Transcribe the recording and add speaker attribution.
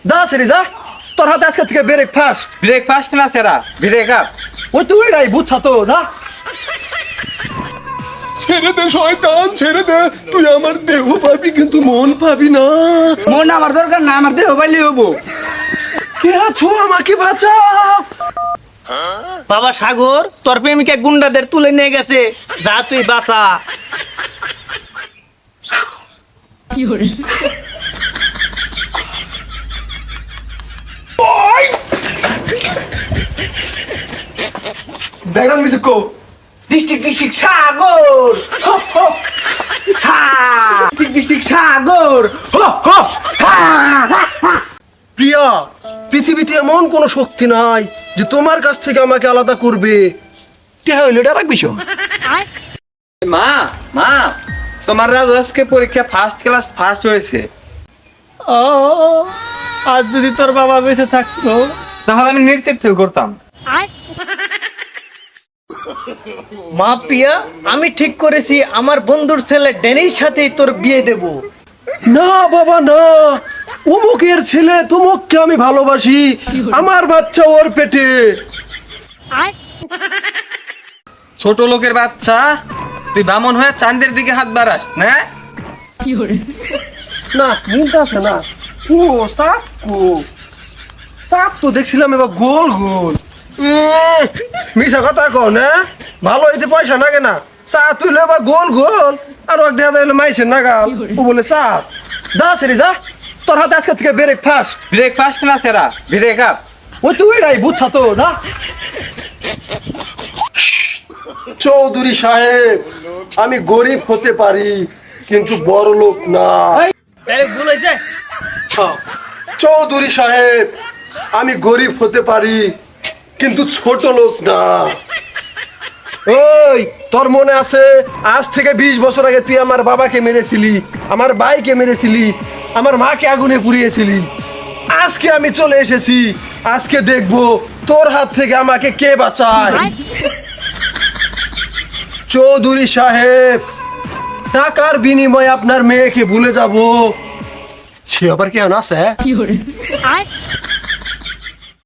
Speaker 1: যা সেরি যা, তোর হাতে আজকে থেকে ব্রেকফাস্ট।
Speaker 2: ব্রেকফাস্ট না সেরা, ব্রেক আপ।
Speaker 1: ওই তুই নাই বুঝছা তো না।
Speaker 3: ছেড়ে দে শয়তান, ছেড়ে দে। তুই আমার দেহ পাবি কিন্তু মন পাবি না।
Speaker 4: মন আমার দরকার না, আমার দেহ পাইলে হবো।
Speaker 1: কে আছো, আমাকে বাঁচাও।
Speaker 5: বাবা সাগর, তোর প্রেমিকা গুন্ডাদের তুলে নিয়ে গেছে, যা তুই বাঁচা।
Speaker 1: ব্যাকগ্রাউন্ড মিউজিক কো।
Speaker 4: ডিস্ট্রিক্ট সাগর, হো হো হা। ডিস্ট্রিক্ট সাগর, হো হো হা।
Speaker 1: প্রিয়া, পৃথিবীতে এমন কোনো শক্তি নাই যে তোমার কাছ থেকে আমাকে আলাদা করবে। কে হইল এটা রাখবি শো।
Speaker 2: মা, মা, তোমার রাজু আজকে পরীক্ষা ফার্স্ট ক্লাস ফার্স্ট হয়েছে।
Speaker 5: ও, আজ যদি তোর বাবা বেঁচে থাকতো।
Speaker 2: তাহলে আমি নিশ্চিত ফেল করতাম।
Speaker 5: মা প্রিয়া, আমি ঠিক করেছি আমার বন্ধুর ছেলে ড্যানির সাথেই তোর বিয়ে দেব।
Speaker 1: না বাবা না, অমুকের ছেলে তুমুককে আমি ভালোবাসি, আমার বাচ্চা ওর পেটে।
Speaker 2: ছোট লোকের বাচ্চা, তুই বামন হয়ে চাঁদের দিকে হাত বাড়াস না?
Speaker 1: না মিলতে আছে না। ও চাঁদ কো, চাঁদ তো দেখছিলাম এবার গোল গোল। মিশা কথা কও না, ভালো হইতে পয়সা লাগে না। চাঁদ তুইলে এবার গোল গোল, আর এক দেখা যাইলে মাইসের নাগাল। ও বলে চাঁদ। যা সেরি যা, তোর হাতে আজকে থেকে ব্রেকফাস্ট।
Speaker 2: ব্রেকফাস্ট না সেরা, ব্রেক আপ।
Speaker 1: ওই তুই নাই বুঝছা তো না। চৌধুরী সাহেব, আমি গরিব হতে পারি কিন্তু বড় লোক না।
Speaker 5: ডাইরেক্ট ভুল হয়েছে।
Speaker 1: চৌধুরী সাহেব, আমি গরিব হতে পারি কিন্তু ছোট লোক না। ওই তোর মনে আছে আজ থেকে 20 বছর আগে তুই আমার বাবাকে মেরেছিলি, আমার ভাইকে মেরেছিলি, আমার মাকে আগুনে পুড়িয়েছিলি। আজকে আমি চলে এসেছি, আজকে দেখবো তোর হাত থেকে আমাকে কে বাঁচায়। চৌধুরী সাহেব, টাকার বিনিময়ে আপনার মেয়েকে ভুলে যাব, সে আবার কেমন আছে?